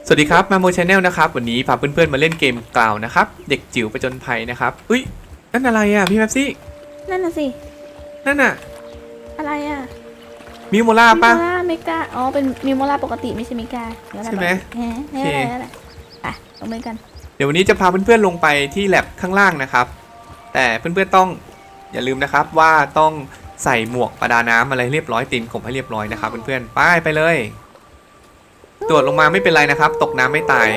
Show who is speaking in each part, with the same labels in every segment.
Speaker 1: สวัสดีครับมาโมชาแนลนะครับวันนี้พาเพื่อนๆมาเล่นเกมกล่าวนะครับเด็กจิ๋วประจนภัยนะครับอุ้ยนั่นอะไรอ่ะพี่แม็ปซี่
Speaker 2: นั่นน่ะสิ
Speaker 1: นั่นอ่ะ
Speaker 2: อะไรอ่ะ
Speaker 1: มิวโมล่าป่ะ
Speaker 2: มิโมล่าเมกาอ๋อเป็นมิโมล่าปกติไม่ใช่เมกา
Speaker 1: ใช่ไหม
Speaker 2: โอเคอ่ะลงมือกัน
Speaker 1: เดี๋ยววันนี้จะพาเพื่อนๆลงไปที่แลบข้างล่างนะครับแต่เพื่อนๆต้องอย่าลืมนะครับว่าต้องใส่หมวกประดาน้ำอะไรเรียบร้อยตีนขมให้เรียบร้อยนะครับเพื่อนๆไปเลยตรวจลงมาไม่เป็นไรนะครับตกน้ำไม่ตาย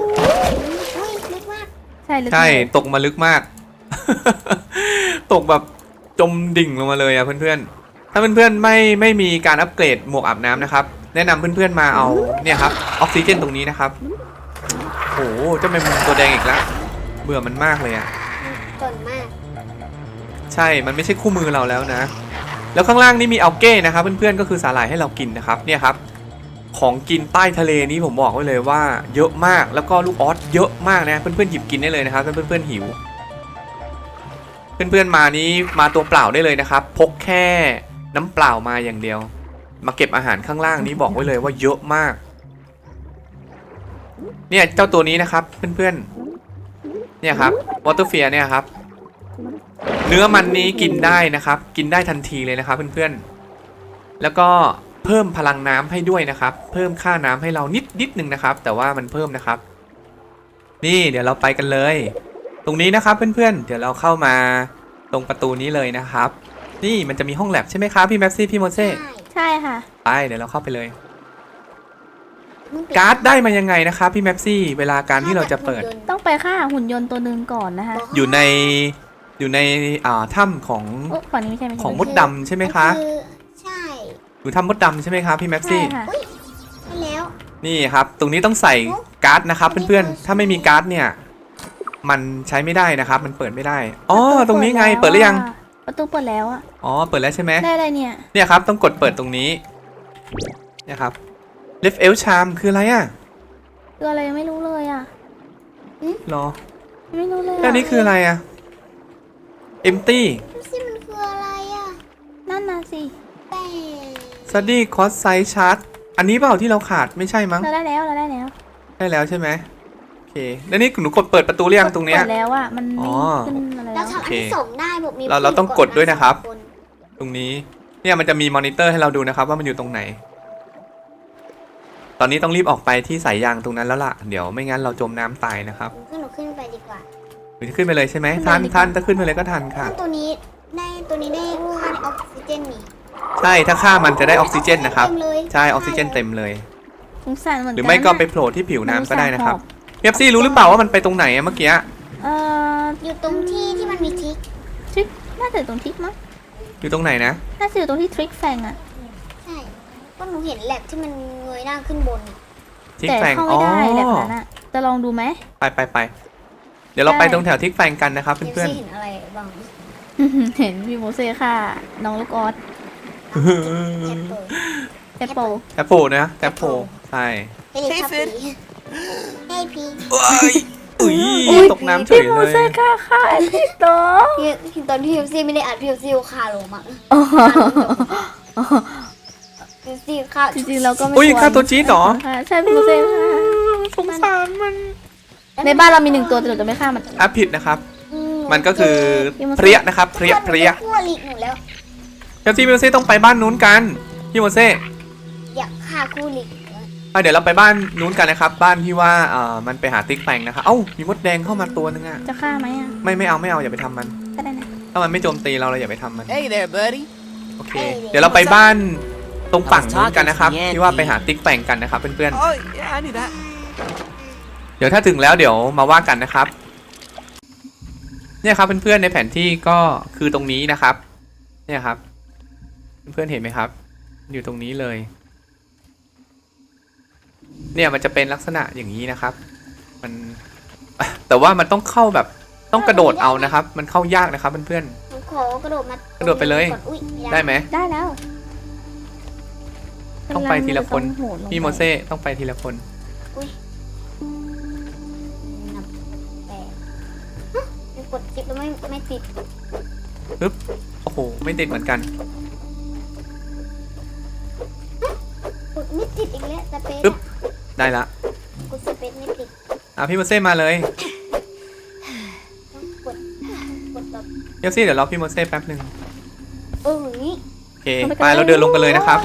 Speaker 1: ใช่ตกมาลึกมาก ตกแบบจมดิ่งลงมาเลยอะเพื่อนๆถ้าเพื่อนๆไม่มีการอัปเกรดหมวกอาบน้ำนะครับแนะนำเพื่อนๆมาเอาเนี่ยครับออกซิเจนตรงนี้นะครับโอ้โหเจ้าแมงมุมตัวแดงอีกแล้วเบื่อมันมากเลยอะ
Speaker 3: จนมาก
Speaker 1: ใช่มันไม่ใช่คู่มือเราแล้วนะแล้วข้างล่างนี่มีอัลเก้นะครับเพื่อนๆก็คือสาหร่ายให้เรากินนะครับเนี่ยครับของกินใต้ทะเลนี้ผมบอกไว้เลยว่าเยอะมากแล้วก็ลูกออสเยอะมากนะเพื่อนๆหยิบกินได้เลยนะครับถ้าเพื่อนๆหิวเพื่อนๆมานี้มาตัวเปล่าได้เลยนะครับพกแค่น้ำเปล่ามาอย่างเดียวมาเก็บอาหารข้างล่างนี้บอกไว้เลยว่าเยอะมากเนี่ยเจ้าตัวนี้นะครับเพื่อนๆเนี่ยครับวอเตอร์เฟียเนี่ยครับเนื้อมันนี้กินได้นะครับกินได้ทันทีเลยนะครับเพื่อนๆแล้วก็เพิ่มพลังน้ำให้ด้วยนะครับเพิ่มค่าน้ำให้เรานิดนึงนะครับแต่ว่ามันเพิ่มนะครับนี่เดี๋ยวเราไปกันเลยตรงนี้นะครับเพื่อนๆเดี๋ยวเราเข้ามาตรงประตูนี้เลยนะครับนี่มันจะมีห้องแลบใช่ไหมครับพี่แม็ปซี่พี่โมเซ่
Speaker 2: ใช่ค่ะ
Speaker 1: ไปเดี๋ยวเราเข้าไปเลยการ์ดได้มายังไงนะครับพี่แม็ปซี่เวลาการที่เราจะเปิด
Speaker 2: ต้องไปฆ่าหุ่นยนต์ตัวหนึ่งก่อนนะคะ
Speaker 1: อยู่ในถ้ำของ
Speaker 2: ฝั่งนี้ไม่ใช่
Speaker 1: ของมดดำใช่ไหมคะ
Speaker 3: ใช่
Speaker 1: อยู่ถ้ำมดดำใช่ไหมครับพี่แม็ปซี่
Speaker 2: ใช่
Speaker 3: แล้ว
Speaker 1: นี่ครับตรงนี้ต้องใส่การ์ดนะครับเพื่อนๆถ้าไม่มีการ์ดเนี่ยมันใช้ไม่ได้นะครับมันเปิดไม่ได้อ๋อตรงนี้ไงเปิดหรือยัง
Speaker 2: ประตูเปิดแล้วอ่ะ
Speaker 1: อ๋อเปิดแล้วใช่ไหม
Speaker 2: ได้อะไรเนี่ย
Speaker 1: ครับต้องกดเปิดตรงนี้เนี่ยครับ Left Elf Charm คืออะไรอ่ะ
Speaker 2: คืออะไรไม่รู้เลยอ่ะ
Speaker 1: หรอ
Speaker 2: ไม่รู้เลย
Speaker 1: แล้วนี้คืออะไรอ่ะ Empty
Speaker 3: นี่มันคืออะไรอ่ะ
Speaker 2: นั่นน่ะสิ
Speaker 1: Study Cost Size Chart อันนี้เปล่าที่เราขาดไม่ใช่มั้ง
Speaker 2: เราได้แล้วได้
Speaker 1: แล้วใช่ไหมโอเคแล้วนี่หนูกดเปิดประตูหรือยังตรงเนี้ย
Speaker 2: เปิดแล้วอ่ะมันไม่ขึ้นอะไร
Speaker 3: แล้วทำอันที่ส่งได้บอกมี
Speaker 1: เราต้องกดด้วยนะครับตรงนี้เนี่ยมันจะมีมอนิเตอร์ให้เราดูนะครับว่ามันอยู่ตรงไหนตอนนี้ต้องรีบออกไปที่สายยางตรงนั้นแล้วล่ะเดี๋ยวไม่งั้นเราจมน้ำตายนะครับ
Speaker 3: หนูขึ้นไปดีกว่า
Speaker 1: หนูจะขึ้นไปเลยใช่ไหมทันถ้าขึ้นไปเลยก็ทันค่ะ
Speaker 3: ตัวนี้ได้ค่าออกซิเจนนี่
Speaker 1: ใช่ถ้าฆ่ามันจะได้ออกซิเจนนะครับใช่ออกซิเจนเต็มเลยหรือไม่ก็ไปโผล่ที่ผิวน้ำก็ได้นะครับเพียบซี่รู้หรือเปล่าว่ามันไปตรงไหนเมื่อกี้
Speaker 3: อยู่ตรงที่มันมีท
Speaker 2: ริกน่าจะตรงทริกมั้ง
Speaker 1: อยู่ตรงไหนนะ
Speaker 2: น่าจะอยู่ตรงที่ทริกแฟงอ่ะ
Speaker 3: ใช่ก็หนูเห็นแลบที่มันเงยหน้าขึ้นบน
Speaker 1: แต่
Speaker 2: เข้าไม่ได้แลบนั้นอ่ะจะลองดูไหม
Speaker 1: ไปเดี๋ยวเราไปตรงแถวทิกแฟงกันนะครับเพื่อน
Speaker 3: ๆเห็นอะไรบ้าง
Speaker 2: เห็นพี่โมเซ่ค่ะน้องลูกออสแอปเปิล
Speaker 1: นะแอปเปิลใช่
Speaker 3: เฮ้ยฟินเฮ้ยพี
Speaker 1: ตกน้ำเฉยเลยพี่
Speaker 2: โมเซ่ค่ะพี่โต
Speaker 3: ตอนที่พี่ซีไม่ได้อัดพี่ซีคาลงมาพี่ซีคา
Speaker 2: จริงๆเราก็ไม่
Speaker 1: ค่าตัวจี๊ดหรอ
Speaker 2: ใช่พี่โมเซ่ค่ะ
Speaker 1: สงสารมัน
Speaker 2: ในบ้านเรามี1ตัวแต่หนูจะไม่ฆ่ามัน
Speaker 1: ผิดนะครับมันก็คือเพรียนะครับเพรีย
Speaker 3: ขั้วลิกหนูแล้ว
Speaker 1: พี่โมเซ่ต้องไปบ้านนู้นกันพี่โมเซ่
Speaker 3: อยากฆ่าคู่ลิก
Speaker 1: เดี๋ยวเราไปบ้านนู้นกันนะครับบ้านที่ว่ามันไปหาติ๊กแฟงนะครับมีมดแดงเข้ามาตัวนึงอ่ะ
Speaker 2: จะฆ่าไหมอ่ะ
Speaker 1: ไม่เอาอย่าไปทำมัน
Speaker 2: ก็ได้นะ
Speaker 1: ถ้ามันไม่โจมตีเราอย่าไปทำมัน
Speaker 4: Hey there buddy
Speaker 1: โอเคเดี๋ยวเราไปบ้านตรงฝั่งนู้นกันนะครับที่ว่าไปหาติ๊กแฟงกันนะครับเพื่อนๆเดี๋ยวถ้าถึงแล้วเดี๋ยวมาว่ากันนะครับเนี่ยครับเพื่อนๆในแผนที่ก็คือตรงนี้นะครับเนี่ยครับเพื่อนๆเห็นไหมครับอยู่ตรงนี้เลยเนี่ยมันจะเป็นลักษณะอย่างนี้นะครับมันแต่ว่ามันต้องเข้าแบบต้องกระโดดเอานะครับมันเข้ายากนะครับเพื่อน
Speaker 3: ๆขอกระโดด
Speaker 1: ไปเลยได้ไหม
Speaker 2: ได้แล้ว
Speaker 1: ต้องไปทีละคนพี่โมเซ่ต้องไปทีละคน
Speaker 3: กดจิ๊บแล้วไม่ติด
Speaker 1: ปึ๊บโอ้โหไม่ติดเหมือนกัน
Speaker 3: กดไม่ติดอีกแล้วแต่เป็น
Speaker 1: ปึ๊บได้ละพี่โมเซ่มาเลย
Speaker 3: ต้องกดแบบ
Speaker 1: เดี๋ยวสิเดี๋ยวรอพี่โมเซ่แป๊บหนึ่ง
Speaker 3: อย่างนี้
Speaker 1: โอเคไปเราเดินลงกันเลยนะครับ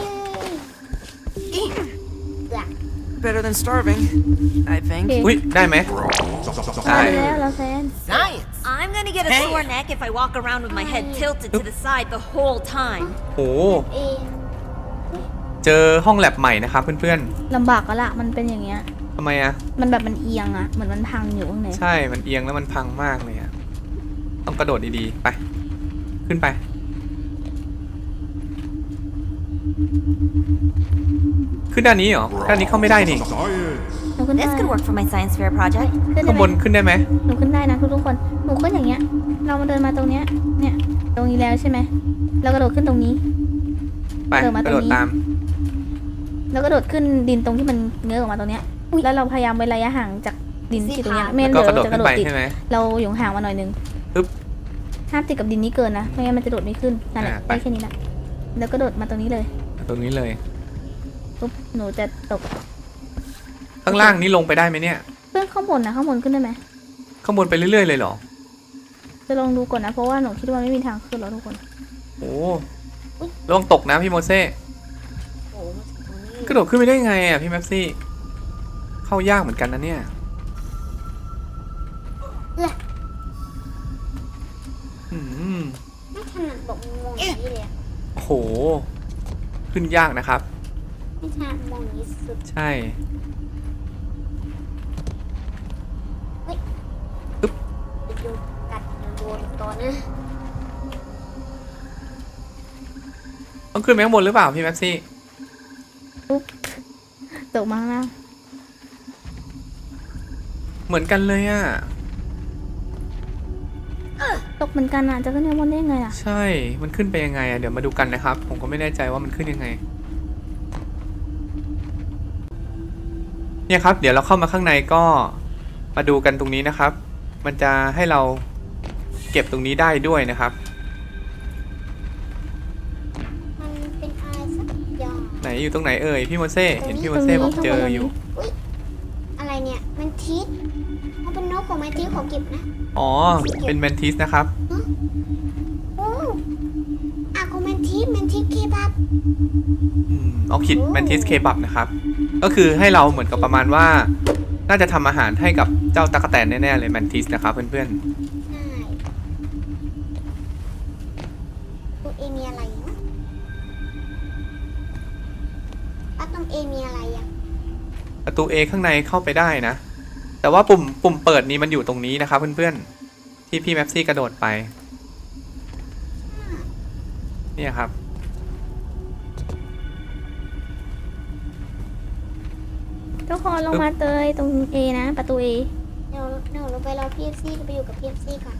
Speaker 4: Better than starving, I think.
Speaker 1: อุ้ยได้ไหม
Speaker 2: ตายไปแล้วเราแซน
Speaker 4: Science.
Speaker 5: I'm gonna get a sore neck if I walk around with my head tilted to the side the whole time.
Speaker 1: โอ้
Speaker 3: เอง
Speaker 1: เจอห้องแลบใหม่นะครับเพื่อน
Speaker 2: ลำบากก็ละมันเป็นอย่างเงี้ย
Speaker 1: ๆทำไมอะ
Speaker 2: มันแบบมันเอียงอะเหมือนมันพังอยู่ข้างใน
Speaker 1: ใช่มันเอียงแล้วมันพังมากเลยอะต้องกระโดดดีๆไปขึ้นไปขึ้นด้านนี้เหรอด้านนี้เข้าไม่ได้นี่
Speaker 2: หนูขึ้นได้
Speaker 5: This could work for my science fair project.
Speaker 2: ขึ้นได้
Speaker 1: ข้าง
Speaker 2: ไห
Speaker 1: บ
Speaker 2: ม
Speaker 1: นขึ้นได้ไหม
Speaker 2: หนูขึ้นได้นะทุกคนหนูขึ้นอย่างเงี้ย เรามาเดินมาตรงเนี้ยเนี่ยตรงนี้แล้วใช่ไหมเรากระโดดขึ้นตรงนี้
Speaker 1: ไป
Speaker 2: เดินมาก
Speaker 1: ระโดด
Speaker 2: ตรงนี้
Speaker 1: ตาม
Speaker 2: แล้วก็โดดขึ้นดินตรงที่มันเงื้อออกมาตรงเนี้ยแล้วเราพยายามเว้นระยะห่างจากดินที่ตรงเนี้ยไม่งั้น
Speaker 1: ก็
Speaker 2: เดี๋ยว
Speaker 1: กระโดด
Speaker 2: เราจะก
Speaker 1: ขึ้
Speaker 2: ระ
Speaker 1: น
Speaker 2: โด
Speaker 1: ไป
Speaker 2: ดติด
Speaker 1: ใช่ไหม
Speaker 2: เราอยู่ห่างมาหน่อยนึง
Speaker 1: ปึ๊บ
Speaker 2: ห้ามติดกับดินนี้เกินนะไม่งั้นมันจะโดดไม่ขึ้นนั่นแหละ
Speaker 1: ไป
Speaker 2: ได้แค่นี้แหละแล้วก็โดดมาตรงนี้เลย
Speaker 1: ตรงนี้เลย
Speaker 2: ปุ๊บหนูจะตก
Speaker 1: ข้างล่างนี้ลงไปได้ไหมเนี่ย
Speaker 2: เพื่อนข้างบนนะข้างบนขึ้นได้ไหม
Speaker 1: ข้างบนไปเรื่อยๆเลยเหรอ
Speaker 2: จะลองดูก่อนนะเพราะว่าหนูคิดว่าไม่มีทางขึ้นหรอกทุกคน
Speaker 1: โอ้ระวังตกนะพี่โมเซ่
Speaker 3: โอ้มาถึงตรงนี้
Speaker 1: กระโดดขึ้นไปได้ไงอ่ะพี่แม็ปซี่เข้ายากเหมือนกันนะเนี่ยอืม
Speaker 3: ไม่ถนัดบอกมองอย่างนี้เลยอะ
Speaker 1: โอ้โหขึ้นยากนะครับ
Speaker 3: ไม่ถนัดมองอย่างนี้สุด
Speaker 1: ใช่
Speaker 3: จะโดนกัดโดนตอนนะ
Speaker 1: ต้องขึ้นไปข้างบนหรือเปล่าพี่แม็ปซี่
Speaker 2: ปุ๊บตกมาข้างล่าง
Speaker 1: เหมือนกันเลยอ่ะ
Speaker 2: ตกเหมือนกันอ่ะจะขึ้นข้างบนได้ยังไงอ่ะ
Speaker 1: ใช่มันขึ้นไปยังไงอ่ะเดี๋ยวมาดูกันนะครับ ผมก็ไม่แน่ใจว่ามันขึ้นยังไงเนี่ยครับ เดี๋ยวเราเข้ามาข้างในก็มาดูกันตรงนี้นะครับ มันจะให้เราเก็บตรงนี้ได้ด้วยนะครับ
Speaker 3: มันเป็นอะไรสักอย่าง
Speaker 1: ไหนอยู่ตรงไหนเอ่ยพี่โมเซ่เห็นพี่โมเซ่บอกเจออยู่
Speaker 3: อุ๊ยอะไรเนี่ยมันทิศเขาเป็นนกของมันทิศขอเก็บนะ
Speaker 1: อ๋อเป็นแมนทิสนะครับ
Speaker 3: โอ้อากูแมนทิศเคบับ
Speaker 1: ออคิดแมนทิสเคบับนะครับ ก็คือให้เราเหมือนกับประมาณว่า น่าจะทำอาหารให้กับเจ้าตั๊กแตนแน่ๆเลยแมนทิสนะครับเพื่อน
Speaker 3: ใช่ตัวเอมีอะไรนะตรงเอมีอะไรอ่ะ
Speaker 1: ๆประตู A ข้างในเข้าไปได้นะ แต่ว่าปุ่มเปิดนี้มันอยู่ตรงนี้นะครับเพื่อนๆที่พี่แม็ปซี่กระโดดไปเนี่ยครับ
Speaker 2: ทุกคนลงมาเตยตรง A นะประตู A
Speaker 3: เดี๋ยวลงไปรอพีเอฟซีไปอยู่กับพีเอฟซีก่อน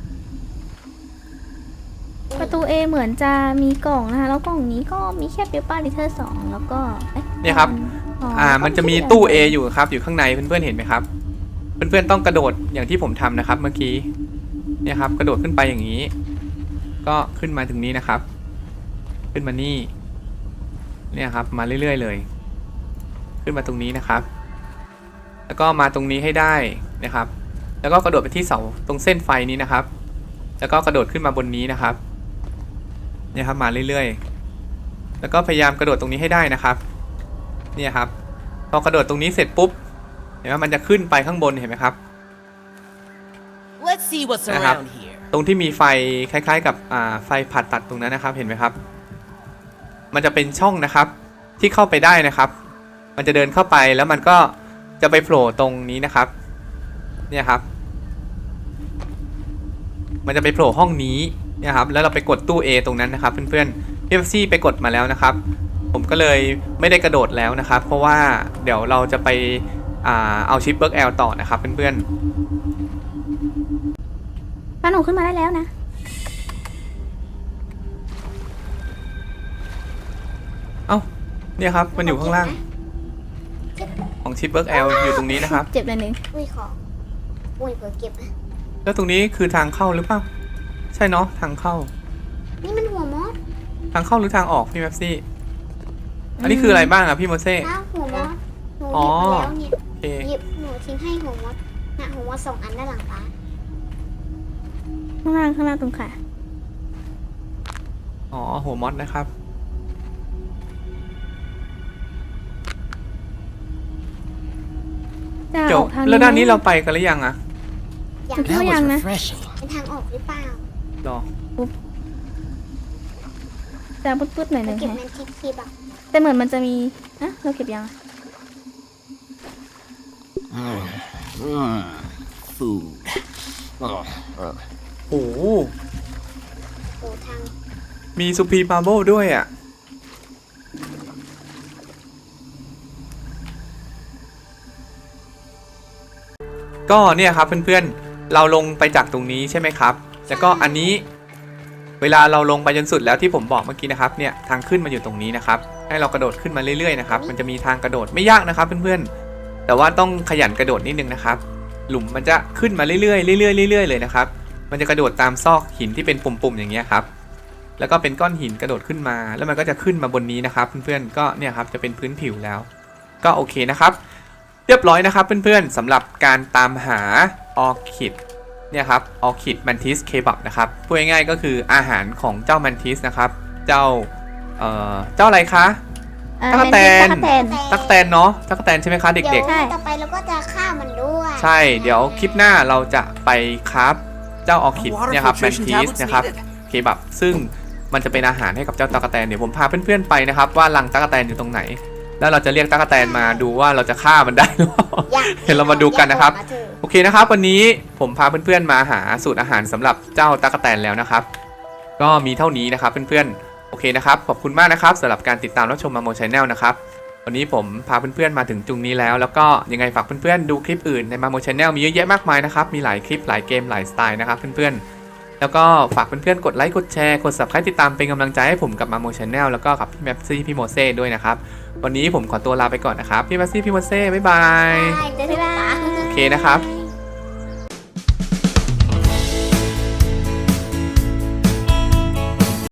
Speaker 2: ประตู A เหมือนจะมีกล่องนะคะแล้วกล่องนี้ก็มีแค่เปเปอร์ลิเทอร์2แล้วก็อ๊ะ
Speaker 1: เนี่ยครับ
Speaker 2: อ๋อ
Speaker 1: มันจะมีตู้ A อยู่ครับอยู่ข้างในเพื่อนๆเห็นไหมครับ เพื่อนๆต้องกระโดดอย่างที่ผมทำนะครับ เมื่อกี้เนี่ยครับกระโดดขึ้นไปอย่างนี้ ก็ขึ้นมาถึงนี้นะครับ ขึ้นมานี่เนี่ยครับมาเรื่อยๆเลย ขึ้นมาตรงนี้นะครับ แล้วก็มาตรงนี้ให้ได้นะครับ แล้วก็กระโดดไปที่เสาตรงเส้นไฟนี้นะครับ แล้วก็กระโดดขึ้นมาบนนี้นะครับเนี่ยครับมาเรื่อยๆแล้วก็พยายามกระโดดตรงนี้ให้ได้นะครับเนี่ยครับพอกระโดดตรงนี้เสร็จปุ๊บเห็นไหมมันจะขึ้นไปข้างบนเห็นไหมครับ
Speaker 4: Let's see what's
Speaker 1: Uh-huh.
Speaker 4: around here.
Speaker 1: ตรงที่มีไฟคล้ายๆกับไฟผ่าตัดตรงนั้นนะครับเห็นไหมครับ มันจะเป็นช่องนะครับที่เข้าไปได้นะครับ มันจะเดินเข้าไปแล้วมันก็จะไปโผล่ตรงนี้นะครับเนี่ยครับ มันจะไปโผล่ห้องนี้เนี่ยครับแล้วเราไปกดตู้ A ตรงนั้นนะครับเพื่อนๆพี่เอฟซี่ไปกดมาแล้วนะครับ ผมก็เลยไม่ได้กระโดดแล้วนะครับ เพราะว่าเดี๋ยวเราจะไปเอาชิปเบิร์กแอลต่อนะครับเพื่อนๆ
Speaker 2: ป้าหนูขึ้นมาได้แล้วนะ
Speaker 1: เอ้าเนี่ยครับมันอยู่ข้างล่างของชิปเบิร์กแอลอยู่ตรงนี้นะครับ
Speaker 2: เจ็บเลยหนึ่ง
Speaker 3: อุ้ยขออุ้ยเผื่อเก็บนะ
Speaker 1: แล้วตรงนี้คือทางเข้าหรือเปล่าใช่เนาะทางเข้า
Speaker 3: นี่มันหัวมอส
Speaker 1: ทางเข้าหรือทางออกพี่แม็ปซี่อันนี้คืออะไรบ้างอะพี่โมเซ่
Speaker 3: อ้าวหัวมอสหนูห
Speaker 1: อ๋อ
Speaker 3: ยิบแล้วเนี่ย
Speaker 1: โอเค
Speaker 3: หยิบหนูทิ้งให้หัวมอสนะผมว่า2 อันด้านหลังป้า
Speaker 2: ข้างล่างตรงขา
Speaker 1: อ๋อหัวมอสนะครับ
Speaker 2: จะ
Speaker 1: จ
Speaker 2: อบ อกทาง
Speaker 1: แล้วด้านนี้เราไปกันหรือยังอะ
Speaker 3: อยาก
Speaker 2: จุดเข้ายังนะ
Speaker 3: เป็นทางออกหรือเปล่าร
Speaker 1: อ
Speaker 2: จะปึ๊ดๆหน่อยหนึ่ง
Speaker 3: เก็บ
Speaker 2: ฮะ
Speaker 3: แมนทิสคีบอ่ะ
Speaker 2: แต่เหมือนมันจะมีอะเราเก็บยังอะ
Speaker 6: Food.
Speaker 1: โอ้โห
Speaker 3: โอ้ทาง
Speaker 1: มีซูพีมาร์โบด้วยอะก็เนี่ยครับเพื่อนๆ เราลงไปจากตรงนี้ใช่ไหมครับ แล้วก็อันนี้ เวลาเราลงไปจนสุดแล้วที่ผมบอกเมื่อกี้นะครับ เนี่ยทางขึ้นมาอยู่ตรงนี้นะครับ ให้เรากระโดดขึ้นมาเรื่อยๆนะครับ มันจะมีทางกระโดดไม่ยากนะครับเพื่อนๆ แต่ว่าต้องขยันกระโดดนิดนึงนะครับ หลุมมันจะขึ้นมาเรื่อยๆเรื่อยๆเรื่อยๆเลยนะครับ มันจะกระโดดตามซอกหินที่เป็นปุ่มๆอย่างเงี้ยครับ แล้วก็เป็นก้อนหินกระโดดขึ้นมา แล้วมันก็จะขึ้นมาบนนี้นะครับ เพื่อนๆ ก็เนี่ยครับจะเป็นพื้นผิวแล้ว ก็โอเคนะครับ เรียบร้อยนะครับเพื่อนๆสำหรับการตามหาออคิดเนี่ยครับออคิดมันทิสเคบับนะครับพูดง่ายๆก็คืออาหารของเจ้ามันทิสนะครับเจ้าอะไรคะ ตั๊กแตน
Speaker 2: ตั๊กแตน
Speaker 1: ตั๊กแตนเนาะตั๊กแตนใช่ไหมคะ
Speaker 3: เดี๋
Speaker 1: เด็
Speaker 3: ย
Speaker 1: ก
Speaker 3: ว
Speaker 2: ใช่
Speaker 3: ต่อไปเราก็จะฆ่ามันด้วย
Speaker 1: ๆ ใช่เดี๋ยวคลิปหน้าเราจะไปคราฟเจ้าออคิดเนี่ยครับมันทิสนะครับเคบับซึ่งมันจะเป็นอาหารให้กับเจ้าตั๊กแตนเดี๋ยวผมพาเพื่อนๆไปนะครับว่ารังตั๊กแตนอยู่ตรงไหน แล้วเราจะเรียกตั๊กแตนมาดูว่าเราจะฆ่ามันได้หรือเปล่า เดี๋ยวเรามาดูกันนะครับ โอเคนะครับวันนี้ผมพาเพื่อนๆมาหาสูตรอาหารสำหรับเจ้าตั๊กแตนแล้วนะครับ ก็มีเท่านี้นะครับเพื่อนๆโอเคนะครับขอบคุณมากนะครับสำหรับการติดตามรับชมมาโมชแนลนะครับวันนี้ผมพาเพื่อนๆมาถึงจุดนี้แล้วแล้วก็ยังไงฝากเพื่อนๆดูคลิปอื่นในมาโมชแนลมีเยอะแยะมากมายนะครับมีหลายคลิปหลายเกมหลายสไตล์นะครับเพื่อนๆแล้วก็ฝากเพื่อนๆกดไลค์กดแชร์กด Subscribe ติดตามเป็นกำลังใจให้ผมกับมาโมชแนลแล้วก็กับพี่แมปซี่พี่โมเซ่ด้วยนะครับวันนี้ผมขอตัวลาไปก่อนนะครับพี่แมปซี่พี่โมเซ่บ๊ายบาย
Speaker 3: ได้เจอที่ร้าน
Speaker 1: โอเคนะครับ